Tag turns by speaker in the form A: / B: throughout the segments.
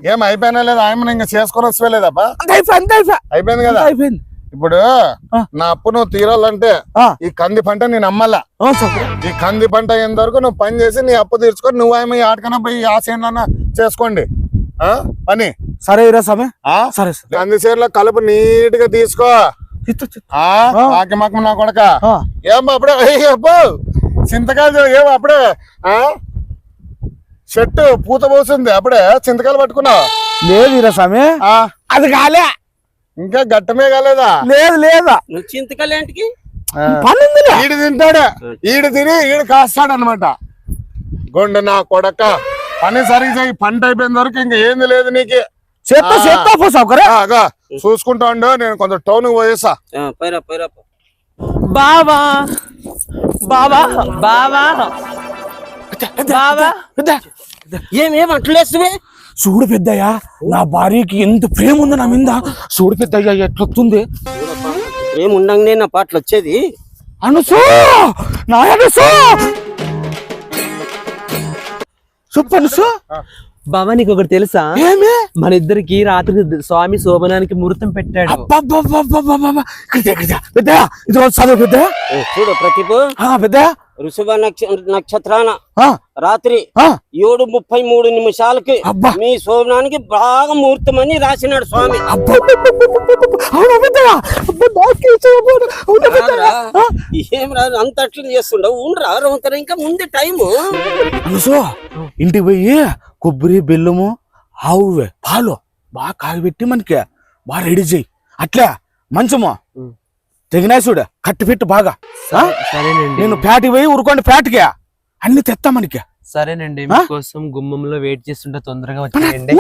A: ఏం అయిపోయినా లేదా ఆయన ఇంకా చేసుకొని వస్తలేదప్పా అయిపోయింది కదా ఇప్పుడు నా అప్పు నువ్వు తీరాలంటే ఈ కంది పంట నేను అమ్మల్లా ఈ కంది పంట అయిన వరకు నువ్వు పని చేసి నీ అప్పు తీర్చుకొని నువ్వు ఏమో ఆటకన్నా పోయి ఆ సేనన్నా చేసుకోండి పని
B: సరే సరే
A: కంది సేర్లో కలుపు నీట్ గా తీసుకో మాకు నా కొడక ఏమో అప్పుడే అబ్బో చింతకాయలు ఏమో అప్పుడే చెట్టు పూత పోసింది అప్పుడే చింతకాయలు పట్టుకున్నావు
B: లేదు స్వామి అది కాలే
A: ఇంకా గట్టమే కాలేదా
B: లేదు లేదా
C: చింతకాయలేంటికి
A: ఈడు తింటాడు ఈడు తిని ఈడు కాస్తాడు అనమాట గొండు నా కొడక పని సరిగ్గా పంట అయిపోయిన వరకు ఇంకా ఏంది లేదు నీకు చూసుకుంటా ఉండు నేను కొంచెం టౌన్ పోయేసా
C: బావా బావా బావా బావా ఏమేం అట్లేస్తువే
B: చూడు పెద్దయ్యా నా భార్యకి ఎంత ప్రేమ ఉంది నా మీద చూడు పెద్దయ్యా ఎట్లొస్తుంది
C: ఏముండంగానే నా పాటలు వచ్చేది
B: అనుసూ నా అనుసూ చెప్పనుసు
C: బావా నీకు ఒకటి తెలుసా మన ఇద్దరికి రాత్రి స్వామి శోభనానికి ముహూర్తం పెట్టాడు చూడు ప్రతిభ
B: పెద్ద
C: ఋషభ నక్షత్రాన రాత్రి 7:33 మీ శోభనానికి బాగా ముహూర్తం అని రాసినాడు స్వామి ఏం రాదు అంత అట్లా చేస్తుండవు ఉండరా రౌతర ఇంకా ముందే టైము
B: ఇంటికి పోయి కొబ్బరి బెల్లము ఆవు పాలు బాగా కాగబెట్టి మనకి బాగా రెడీ చేయి అట్లా మంచము తెగినాయి చూడు కట్టి పెట్టు బాగా నేను ఫ్యాట్కి పోయి ఊరుకోండి ఫ్యాట్కి అన్ని తెస్తా మనకి
C: సరేనండి మీకోసం గుమ్మంలో వెయిట్ చేస్తుంటే తొందరగా వచ్చేయండి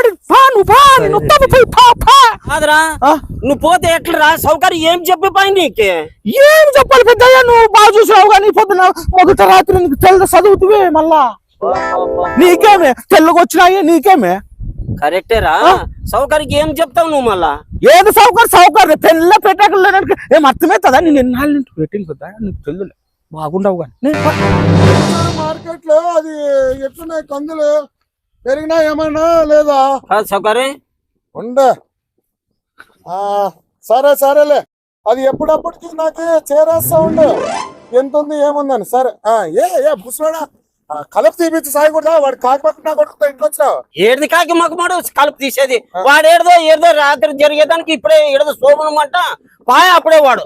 C: నువ్వు పోతే ఎట్లా సౌకర్యం ఏం చెప్పిపోయి నీకే
B: ఏం చెప్పాలి పెద్దయ్యా నువ్వు బాగా చూసావు కానీ పొద్దున మొదట రాత్రి నీకు తెల్ల చదువుతువే మళ్ళా నీకేమే తెల్లగొచ్చినాయి నీకేమే
C: కరెక్టేరా సౌకర్యం ఏం చెప్తావు నువ్వు మళ్ళా
B: ఏది సౌకర్యం తెల్ల పెట్టకలు ఏం అర్థమవుతుందా నేను ఎన్నాళ్ళు పెట్టింది కదా నీకు తెల్లు బాగుండవు కానీ
A: మార్కెట్ లో అది ఎట్లున్నాయి కందులు పెరిగినా ఏమన్నా లేదా
C: సౌకర్యం
A: ఉండ సరేలే అది ఎప్పుడప్పటికి నాకు చేరేస్తా ఉండు ఎంత ఉంది ఏముందని సరే ఏ బుసుడా కలుపు తీపించి సాయకూడదా వాడు కాకపోతే కొడుకుతా ఇంట్లో వచ్చినావు
C: ఏది కాకి మాకు మాడు కలుపు తీసేది వాడు ఏదో రాత్రి జరిగేదానికి ఇప్పుడే ఏదో శోభనమాట పాయ అప్పుడే వాడు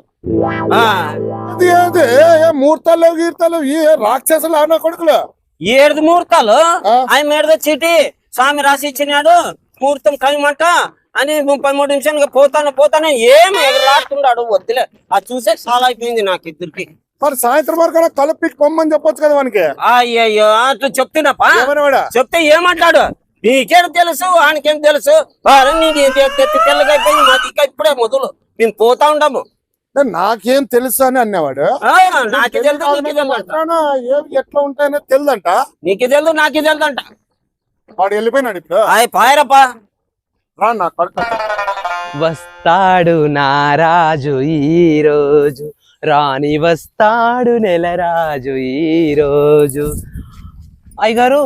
A: ముహూర్తాలు గీర్తాలు ఈ రాక్షసులు అన్న కొడుకులు
C: 7 ముహూర్తాలు ఆయన ఏదో చీటి స్వామి రాసి ఇచ్చినాడు ముహూర్తం కలమంట అని 33 నిమిషాలుగా పోతాను ఏమి ఎగరలాడుతున్నాడు వద్దులే అది చూసే చాలా అయిపోయింది నాకు ఇద్దరికి
A: మరి సాయంత్రం వరకు కలుపుకి పొమ్మని చెప్పొచ్చు కదా వానికి
C: అయ్యో అట్లా చెప్తున్నప్పా చెప్తే ఏమంటాడు నీకేం తెలుసు వానికేం తెలుసు తెల్లగా అయిపోయింది మాది ఇప్పుడే మొదలు మేము పోతా ఉంటాము
A: నాకేం తెలుసు అని అన్నవాడు ఎట్లా ఉంటాయో తెలుదంట
C: నీకు తెలుదు నాకే తెలుదంట
A: వాడు వెళ్ళిపోయినాడు ఇప్పుడు
C: పాయరప్పా
A: రా నా కొడుకు
C: వస్తాడు నారాజు ఈ రోజు రాణి వస్తాడు నెలరాజు ఈ రోజు అయ్యగారు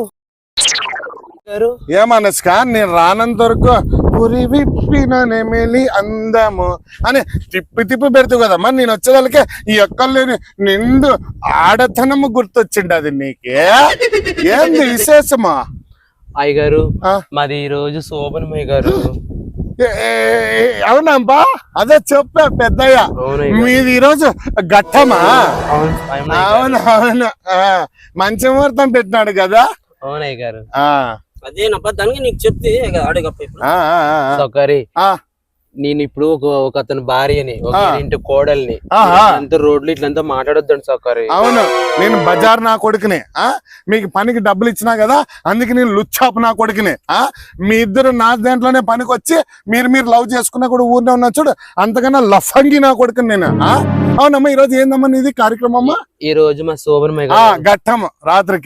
A: ఏమనస్క నేను రానంత వరకు పురి విప్పిన నెమిలి అందము అని తిప్పి పెడతావు కదా మరి నేను వచ్చేదానికే ఈ ఒక్కలేని నిండు ఆడతనము గుర్తొచ్చిండు అది నీకే ఏంది విశేషమా
C: అయ్యగారు మాది ఈ రోజు శోభనమయ్య గారు
A: అవునబ్బా అదే చెప్పా పెద్దయ్య మీది ఈరోజు ఘట్టమా అవును మంచి ముహూర్తం పెట్టినాడు కదా
C: అవునయ్య గారు అదేనబ్బా దానికి నీకు చెప్తే సౌకర్య నేను ఇప్పుడు ఒక అతని భార్యని ఒక ఇంటి కోడల్ని అంత రోడ్లు ఇట్లంతా మాట్లాడొద్దండి సౌకర్యం
A: అవును నేను బజార్ నా కొడుకునే మీకు పనికి డబ్బులు ఇచ్చినా కదా అందుకే నేను లుచ్చాపు నా కొడుకునే మీ ఇద్దరు నా దాంట్లోనే పనికి వచ్చి మీరు లవ్ చేసుకున్నా కూడా ఊరినే ఉన్నా చూడు అంతకన్నా లఫంగి నా కొడుకుని నేను అవునమ్మా ఈ రోజు ఏందమ్మా నీది కార్యక్రమం
C: ఈ రోజు మా శోభనమయ్య
A: ఘట్టము రాత్రికి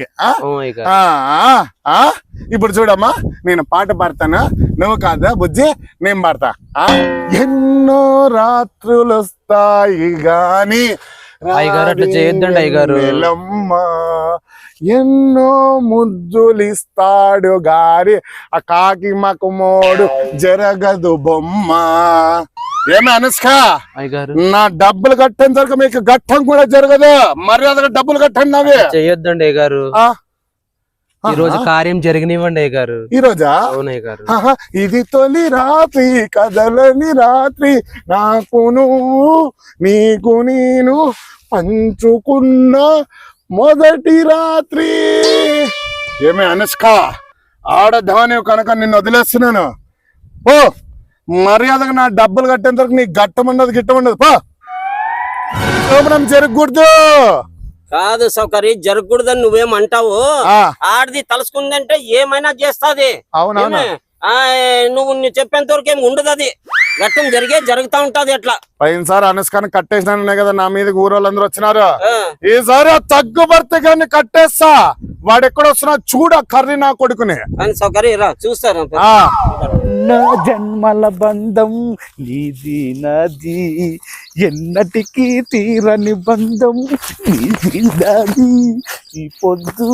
A: ఇప్పుడు చూడమ్మా నేను పాట పాడతాను నువ్వు కాదా బుజ్జి నేను పాడతా ఎన్నో రాత్రులు వస్తాయి గాని
C: అయ్యగారు అట్లా చేయొద్దండి అయ్యగారు
A: ఎన్నో ముద్దులిస్తాడు గారి ఆ కాకి మకుమోడు జరగదు బొమ్మ. ఏమే అనుష్క,
D: అయ్యగారు
A: నా డబ్బులు కట్టేంత వరకు మీకు ఘట్టం కూడా జరగదు. మర్యాదగా డబ్బులు కట్టండి. అవి
D: చెయ్యొద్దండి అయ్యగారు. ఈ రోజు కార్యం జరిగినివ్వండి అయ్యగారు.
A: ఈ రోజా?
D: అవును అయ్యగారు.
A: ఇది తొలి రాత్రి కదలని రాత్రి, నాకు నువ్వు నీకు నేను పంచుకున్న మొదటి రాత్రి. ఏమే అనుష్క, ఆడధాని కనుక నిన్ను వదిలేస్తున్నాను. ఓ మర్యాదగా నా డబ్బులు కట్టేంత వరకు నీకు గట్టమన్నది గిట్టమన్నది. పో శోభనం జరగకూడదు.
C: కాదు సౌకర్య, జరగకూడదని నువ్వేమంటావు. ఆడది తలుసుకుందంటే ఏమైనా చేస్తాది.
A: అవునవును.
C: నువ్వు చెప్పేంత వరకు ఏమి ఉండదు. అది ఘట్టం జరుగుతా ఉంటది. అట్లా
A: పోయినసారి అనుష్కని కట్టేసినా కదా నా మీద ఊరోళ్ళందరూ వచ్చినారు. ఈసారి తగ్గుబర్తి గారిని కట్టేస్తా. వాడు ఎక్కడ వస్తున్నా చూడ కర్రీ నా కొడుకుని.
C: సౌకర్య చూస్తారు.
B: నా జన్మల బంధం నీది నాది, ఎన్నటికీ తీరని బంధం నీది నాది. ఈ పొద్దు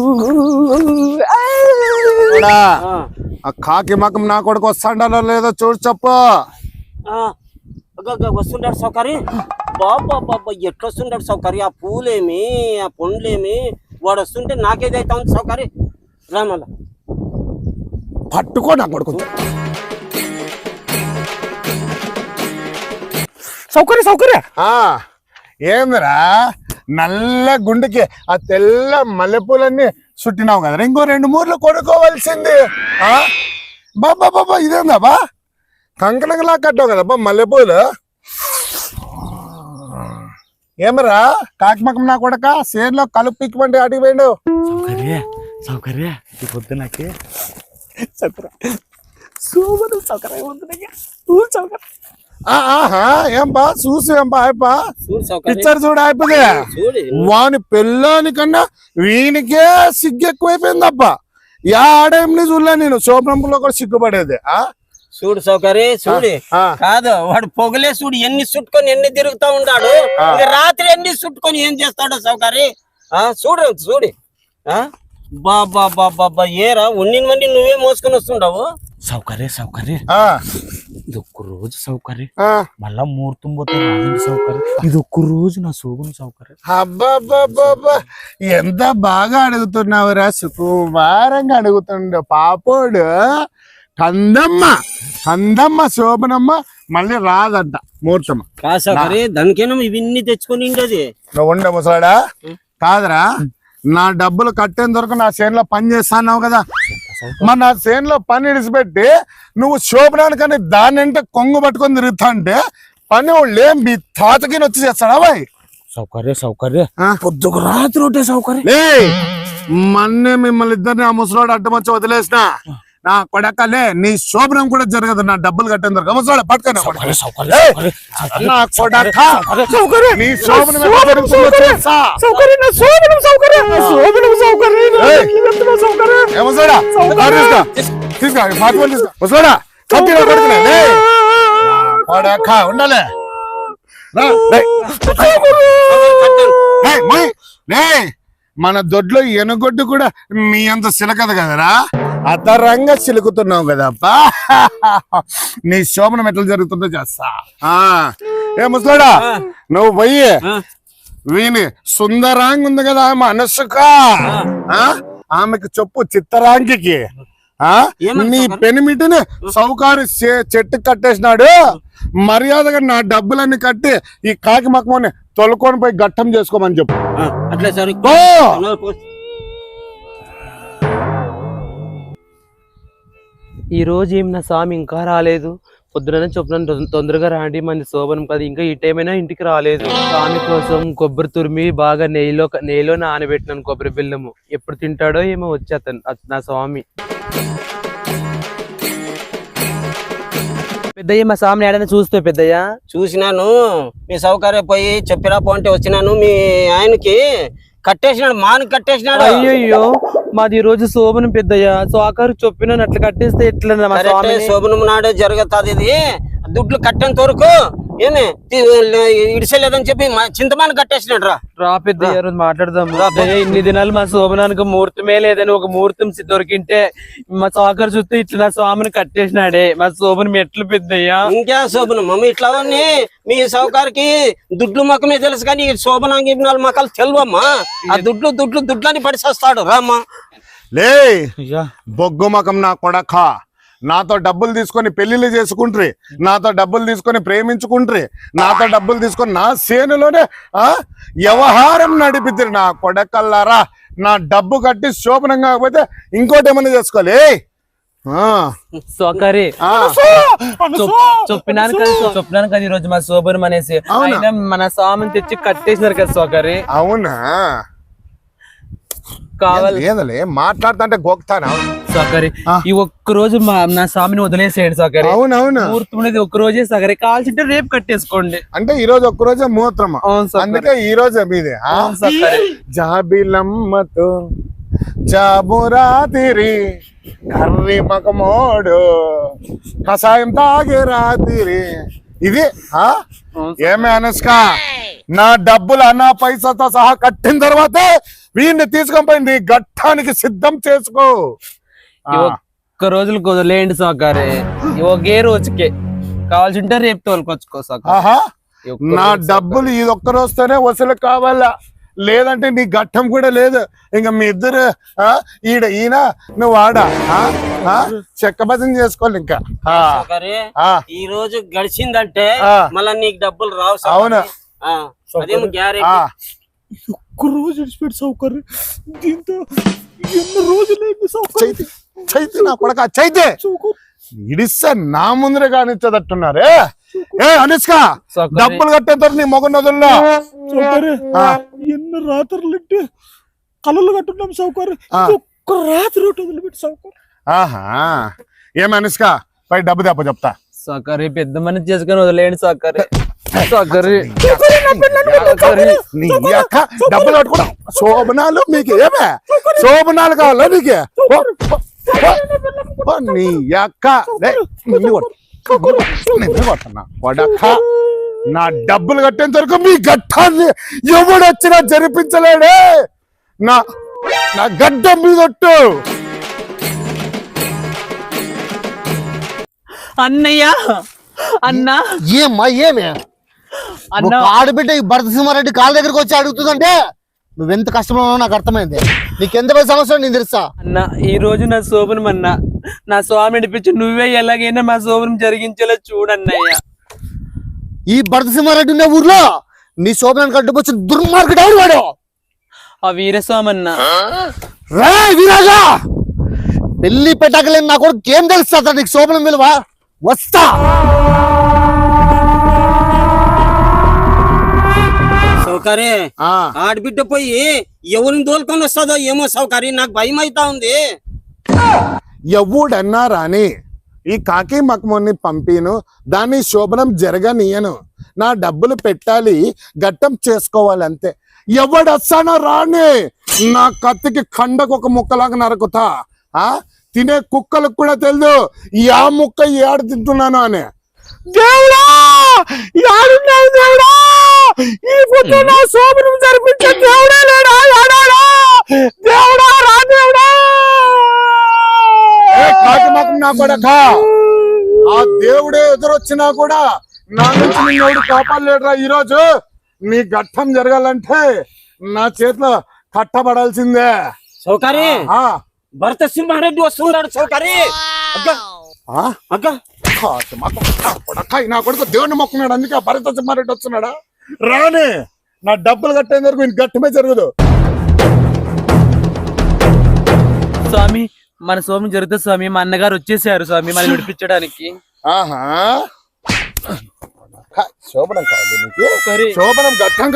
A: ఆ కాకి మకం నా కొడుకు వస్తాడో లేదో చూడు చెప్పు.
C: వస్తుంటాడు సౌకర్య. బాబా బాబా ఎట్లా వస్తుంటాడు సౌకర్య. ఆ పూలేమి ఆ పండ్లేమి వాడు వస్తుంటే నాకేదైతే ఉంది సౌకర్య. రామల
A: పట్టుకో నా కొడుకు.
B: సౌకర్య
A: ఏందిరా నల్ల గుండెకి ఆ తెల్ల మల్లెపూలన్నీ చుట్టినావు కదరా. ఇంకో 2 మూర్లు కొనుక్కోవాల్సింది. బాబా బాబా ఇదేందా బా కంకణంలా కట్టావు కదబ్బా మల్లెపూలు. ఏమరా కాకిమకం నా కొడక సేన్లో కలుపు పిక్కిమంటే అడిగి పోయిండు.
B: సౌకర్య ఈ పొద్దు నాకే
A: ఏం బా చూసి ఏం బా అయిపా పిక్చర్ చూడ అయిపోతే వాని పెళ్ళానికన్నా వీనికే సిగ్గు ఎక్కువైపోయిందప్ప. ఆడేంని చూడలే నేను. శోభనంలో కూడా సిగ్గుపడేది.
C: చూడు సౌకర్య చూడు. కాదు వాడు పొగలే చూడు ఎన్ని చుట్టుకొని ఎన్ని తిరుగుతా ఉంటాడు. రాత్రి ఎన్ని చుట్టుకొని ఏం చేస్తాడు సౌకర్య. చూడు చూడు. బాబా బాబా ఏరా ఉన్నినవన్నీ నువ్వే మోసుకొని వస్తుంటావు.
B: సౌకర్య ఇది ఒక్క రోజు సౌకర్యం. మళ్ళా ముహూర్తం పోతే సౌకర్యం. ఇది ఒక్క రోజు నా శోభను సౌకర్యం.
A: అబ్బాబ్బాబ్బా ఎంత బాగా అడుగుతున్నావురా. సుకుమారంగా అడుగుతుండ పాపోడు. కందమ్మ శోభనమ్మ మళ్ళీ రాదంట ముహూర్తం.
C: దానికేనా ఇవన్నీ తెచ్చుకొని
A: నువ్వు ఉండే ముసలాడా కాదురా. నా డబ్బులు కట్టేంత వరకు నా చేనులో పని చేస్తాన్నావు కదా. మరి నా చేనులో పని ఇడిచిపెట్టి నువ్వు శోభనానికని దాని అంటే కొంగు పట్టుకొని తిరుగుతా అంటే పని వాళ్ళు ఏం మీ తాతకి వచ్చి చేస్తాడా బాయ్.
B: సౌకర్య పొద్దుకు రాత్రి ఒకటే సౌకర్యం.
A: మొన్నే మిమ్మల్ని ఇద్దరిని ఆ ముసలాడు అడ్డం వచ్చి వదిలేసిన. నా కొడకలే నీ శోభనం కూడా జరగదు నా డబ్బులు కట్టేంత వరకు. ముసలాడు పట్టుకొని ఉండాలి. మన దొడ్లో ఎనుగొడ్డు కూడా మీ అంత సిలకదు కదరా. అతరంగా చిలుకుతున్నావు కదప్పా. నీ శోభనం ఎట్లా జరుగుతుందో చేస్తా. ఏ ముసలాడా నువ్వు పోయి వీని సుందరాంగి ఉంది కదా ఆమె అనుష్క, ఆమెకు చెప్పు చిత్తరాంగికి నీ పెనిమిటిని సౌకారి చెట్టు కట్టేసినాడు. మర్యాదగా నా డబ్బులన్నీ కట్టి ఈ కాకి మక్కమని తొలుకొని పోయి గట్టం చేసుకోమని చెప్పు.
C: అట్లే సరే.
D: ఈ రోజు ఏం నా స్వామి ఇంకా రాలేదు. పొద్దున చొప్పున తొందరగా రాండి మంది శోభనం కదా. ఇంకా ఈ టైం అయినా ఇంటికి రాలేదు. స్వామి కోసం కొబ్బరి తురిమి బాగా నెయ్యిలో నానబెట్టినాను కొబ్బరి బెల్లము. ఎప్పుడు తింటాడో ఏమో వచ్చి నా స్వామి. పెద్దయ్య మా స్వామిని ఏడైనా చూస్తే పెద్దయ్య
C: చూసినాను. మీ సౌకర్యం పోయి చెప్పిరా పోంటే వచ్చినాను. మీ ఆయనకి కట్టేసినాడు, మాను కట్టేసినాడు.
D: అయ్యో మాది ఈ రోజు శోభనం పెద్దయ్య. సో ఆఖరు చెప్పినాను అట్లా కట్టేస్తే ఎట్లా
C: శోభనం నాడే జరుగుతుంది. ఇది దుడ్లు కట్టేంత వరకు ఏమే ఇడిసలేదని చెప్పి చింతమాను కట్టేసినాడు రా.
D: రా పెద్ద ఈ రోజు మాట్లాడదాం. ఇన్ని దినాలు మా శోభనానికి ముహూర్తమే లేదని ఒక ముహూర్తం దొరికింటే మా సాకర్ చూస్తే ఇట్లా నా స్వామిని కట్టేసినాడే. మా శోభన మెట్లు పెద్దయ్యా.
C: ఇంకా శోభనం మమ్మీ ఇట్లా మీ సౌకారికి దుడ్లు మొక్కమే తెలుసు కానీ శోభనాంగి మొక్కలు తెలివమ్మా. ఆ దుడ్లని పడిసేస్తాడు రామ్మా.
A: లే బొగ్గు మకం నా కొడక, నాతో డబ్బులు తీసుకొని పెళ్లిళ్ళు చేసుకుంట్రి, నాతో డబ్బులు తీసుకొని ప్రేమించుకుంట్రి, నాతో డబ్బులు తీసుకొని నా సేనులోనే వ్యవహారం నడిపిద్ది నా కొడకల్లారా. నా డబ్బు కట్టి శోభనం కాకపోతే ఇంకోటి ఏమన్నా చేసుకోవాలి.
D: సోకరి చెప్పినాను కదా ఈ రోజు మా శోభనం అనేసి. ఆయన మన స్వామిని తెచ్చి కట్టేసినారు కదా సోకరి.
A: అవునా?
D: కావాలి
A: లేదలే మాట్లాడుతుంటే గోక్తానా
D: సోకరి. ఈ ఒక్క రోజు నా స్వామిని వదిలేసేయండి సోకరి.
A: అవునవును,
D: ముహూర్తం అనేది ఒక్క రోజే సోకరి. కావాల్సింటే రేపు కట్టేసుకోండి.
A: అంటే ఈ రోజు ఒక్క రోజే ముహూర్తం, అందుకే ఈ రోజే మీదే. జాబిలమ్మతో జాబురాతిరి కర్రి మకమోడు కషాయం తాగే రాతిరి. ఇది ఏమే అనుష్క, నా డబ్బులు అన్నా పైసాతో సహా కట్టిన తర్వాతే వీడిని తీసుకొని పోయి నీ ఘట్టానికి సిద్ధం చేసుకో.
D: ఒక్క రోజులు కుదరలేండి సోకరి. ఒకే రోజుకే కావాల్సింటే రేపు తోలుకొచ్చుకో సోకరి.
A: నా డబ్బులు ఇది ఒక్క రోజుతోనే వసూలు కావాలా, లేదంటే నీ ఘట్టం కూడా లేదు. ఇంకా మీ ఇద్దరు ఈయన నువ్వు ఆడా చెక్కబద్దం చేసుకోవాలి. ఇంకా
C: ఈ రోజు గడిచిందంటే మళ్ళా నీకు డబ్బులు రావు.
A: అవును,
C: అదేమో గ్యారెంటీ.
B: ఒక్క రోజు విడిచిపెట్టి సౌకర్యం. దీంతో ఎన్ని రోజులైంది సౌకర్యం.
A: చైతే నా కొడక చైతే ఇడిస్తే నా ముందరే కానిచ్చదట్టున్నారే. ఏ అనుష్క, డబ్బులు కట్టేంత నీ మొగ నదుల్లో
B: ఎన్ని రాత్రులు కళలు కట్టున్నాం సౌకర్యం. ఒక్క రాత్రి వదిలిపెట్టి సౌకర్యం.
A: ఆహా, ఏం అనుష్క పై డబ్బు దెబ్బ చెప్తా.
D: సోకరి పెద్ద మనిషి చేసుకుని వదిలేయండి సోకరి. సోకరి
A: నీ అక్క డబ్బులు కట్టుకోవడం శోభనాలు మీకు ఏమే శోభనాలు కావాలా నీకే? నీ అక్క కొడక, నా డబ్బులు కట్టేంత వరకు మీ ఘట్టాన్ని ఎవడొచ్చినా జరిపించలేడే. నా గడ్డం మీదొట్టు.
D: అన్నయ్య అన్నా
E: ఏమ్మా ఏమే
D: అన్న
E: ఆడబిడ్డ ఈ భరత సింహారెడ్డి కాళ్ళ దగ్గరకు వచ్చి అడుగుతుందంటే నువ్వెంత కష్టంలో ఉన్నావు నాకు అర్థమైంది. నీకెంత పెద్ద సమస్య నేను తెలుసా
D: అన్న. ఈ రోజు నా శోభనం అన్న, నా స్వామి నడిపించి నువ్వే ఎలాగైనా మా శోభనం జరిగించేలా చూడన్నయ్య.
E: ఈ భరత సింహారెడ్డి ఉన్న ఊర్లో నీ శోభనాన్ని కట్టుకొచ్చి దుర్మార్గుడు ఎవరు వాడు?
D: ఆ వీరస్వామి అన్న.
E: రే వీరాజా, పెళ్లి పెట్టకలేని నా కూడా ఏం తెలుస్తా నీకు శోభనం విలువ? వస్తా.
C: సౌకర్య ఆడబిడ్డ పోయి ఎవరిని దోలుకొని వస్తుందో ఏమో సౌకర్య, నాకు భయం అవుతా ఉంది.
A: ఎవడన్నా రాని ఈ కాకి మకముని పంపిను, దాన్ని శోభనం జరగనీయను. నా డబ్బులు పెట్టాలి, ఘట్టం చేసుకోవాలి అంతే. ఎవడొస్తానో రాని నా కత్తికి కండకు ఒక ముక్కలాగా నరుకుతా. తినే కుక్కలకు కూడా తెలియదు ఆ ముక్క ఏడు తింటున్నాను అని.
B: దేవుడా యాడున్నావు దేవుడా? ఈ పుట్టు నా శోభనం జరిపించే దేవుడా లేడా? దేవుడా రా దేవుడా.
A: కాకి మకం నా కొడక, ఆ దేవుడే ఎదురొచ్చినా కూడా నా నుంచి నిన్ను కాపాడలేడురా. ఈ రోజు నీ ఘట్టం జరగాలంటే నా చేతిలో కట్టబడాల్సిందే.
C: సౌకర్య భరత సింహారెడ్డి వస్తున్నాడు సౌకర్య.
A: నా కొడుకు దేవుడిని మొక్కున్నాడు, అందుకే భరత సింహారెడ్డి వస్తున్నాడా? రానే నా డబ్బులు కట్టేంత వరకు ఇంక ఘట్టమే జరగదు.
D: స్వామి మన శోభనం జరుగుతుంది స్వామి. మా అన్నగారు వచ్చేసారు స్వామి మనం విడిపించడానికి.
A: ఆహా, శోభనం కావాలి నీకు? శోభనం ఘట్టంగా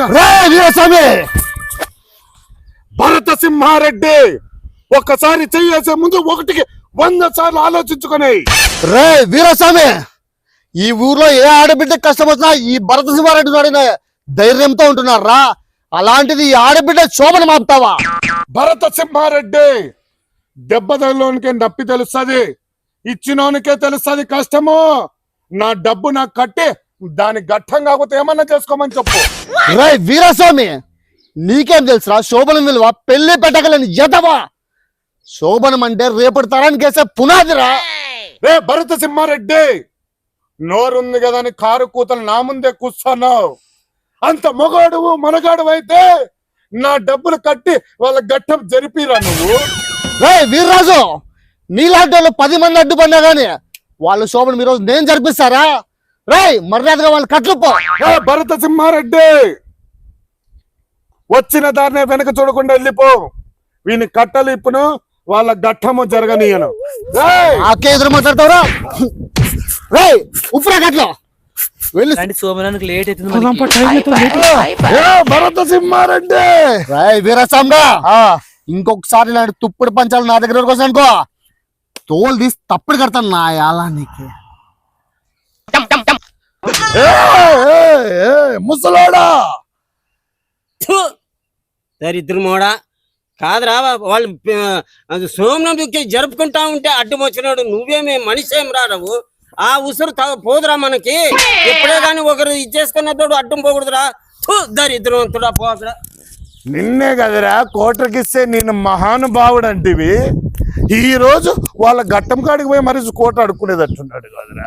A: భరత సింహారెడ్డి ఒక్కసారి చెయ్యేసే ముందు 1కి 100 సార్లు ఆలోచించుకుని.
E: రే వీరస్వామి, ఈ ఊర్లో ఏ ఆడబిడ్డ కష్టం వచ్చినా ఈ భరత సింహారెడ్డి వాడిన ధైర్యంతో ఉంటున్నారా? అలాంటిది ఈ ఆడబిడ్డ శోభనం ఆపుతావా?
A: భరత సింహారెడ్డి దెబ్బలోనికే నప్పి తెలుస్తుంది, ఇచ్చినోనికే తెలుస్తుంది కష్టము. నా డబ్బు నాకు కట్టి దాని గట్టం కాకపోతే ఏమన్నా చేసుకోమని చెప్పు.
E: రే వీరస్వామి, నీకేం తెలుసురా శోభనం విలువ? పెళ్లి పెట్టగలని ఎదవా. శోభనం అంటే రేపటి తరానికి వేసే పునాదిరా.
A: రే భరత సింహారెడ్డి, నోరుంది కదా అని కారు కూతలు నా ముందే కూర్చున్నావు. అంత మొగాడు మనగాడు అయితే నా డబ్బులు కట్టి వాళ్ళ గట్టం జరిపిరా నువ్వు.
E: రే వీర్రాజు, నీలాంటి వాళ్ళు 10 మంది అడ్డుపడినా గానీ వాళ్ళు శోభనం ఈరోజు నేను జరిపిస్తారా? రే మర్యాదగా వాళ్ళు కట్లుపో.
A: రే భరత సింహారెడ్డి, వచ్చిన దారినే వెనక చూడకుండా వెళ్ళిపో. వీని కట్టలు ఇప్పును, వాళ్ళ గట్టము జరగనీయను.
E: నాకే ఎదురు మాట్లాడతావురా? రే ఉప్పురా కట్లో వెళ్ళి.
D: సోమనానికి లేట్ అవుతుంది.
A: ఏ భరత సింహారెడ్డి,
E: రే వీరస్వామిగా, ఇంకొకసారి ఇలాంటి తుప్పుడు పంచాలు నా దగ్గర వరకు వస్తాను అనుకో, తోలు తీసి తప్పుడు కడతాను నా యాలా నీకు.
A: ముసలాడా,
C: దరిద్రం మోడా కాదురా. వాళ్ళు సోమనం జరుపుకుంటా ఉంటే అడ్డం వచ్చినాడు. నువ్వేమే మనిషేం రా నువ్వు. ఆ ఉసురు పోదురా మనకి. ఎప్పుడే గాని ఒకరు ఇచ్చేసుకున్నతోడు అడ్డం పోకూడదురా. దరిద్రవంతుడా పోకరా.
A: నిన్నే కదరా కోటకిస్తే నేను మహానుభావుడు అంటివి. ఈ రోజు వాళ్ళ గట్టం కాడికి పోయి మరి కోట అడుక్కునేటట్టున్నాడు కదరా.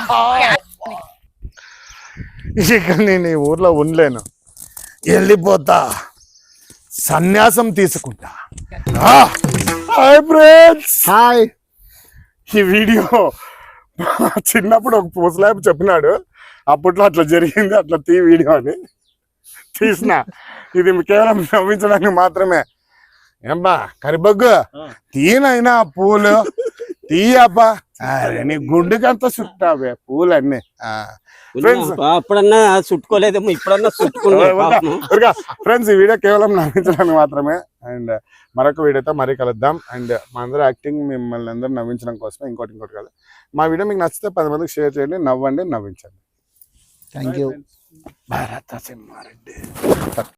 A: ఇక నేను ఈ ఊర్లో ఉండలేను, వెళ్ళిపోతా, సన్యాసం తీసుకుంటా. Hi friends.
E: హాయ్.
A: ఈ వీడియో చిన్నప్పుడు ఒక ముసలాయపు చెప్పినాడు, అప్పట్లో అట్లా జరిగింది, అట్లా వీడియో అని తీసిన. ఇది కేవలం నవ్వించడానికి మాత్రమే. ఏంబా కరిబగ్గు, తీనైనా పూలు తీయబ్బా. అరే నీ గుండెకంతా చుట్టావే పూలు అన్నీ.
C: అప్పుడన్నా చుట్టుకోలేదేమో, ఇప్పుడన్నా చుట్టుకున్నా.
A: ఫ్రెండ్స్, ఈ వీడియో కేవలం నవ్వించడానికి మాత్రమే. అండ్ మరొక వీడియోతో మరీ కలుద్దాం. అండ్ మా అందరూ యాక్టింగ్ మిమ్మల్ని అందరూ నవ్వించడం కోసమే, ఇంకోటి కాదు. మా వీడియో మీకు నచ్చితే 10 మందికి షేర్ చేయండి, నవ్వండి, నవ్వించండి.
E: Thank you.
A: భరత సింహారెడ్డి.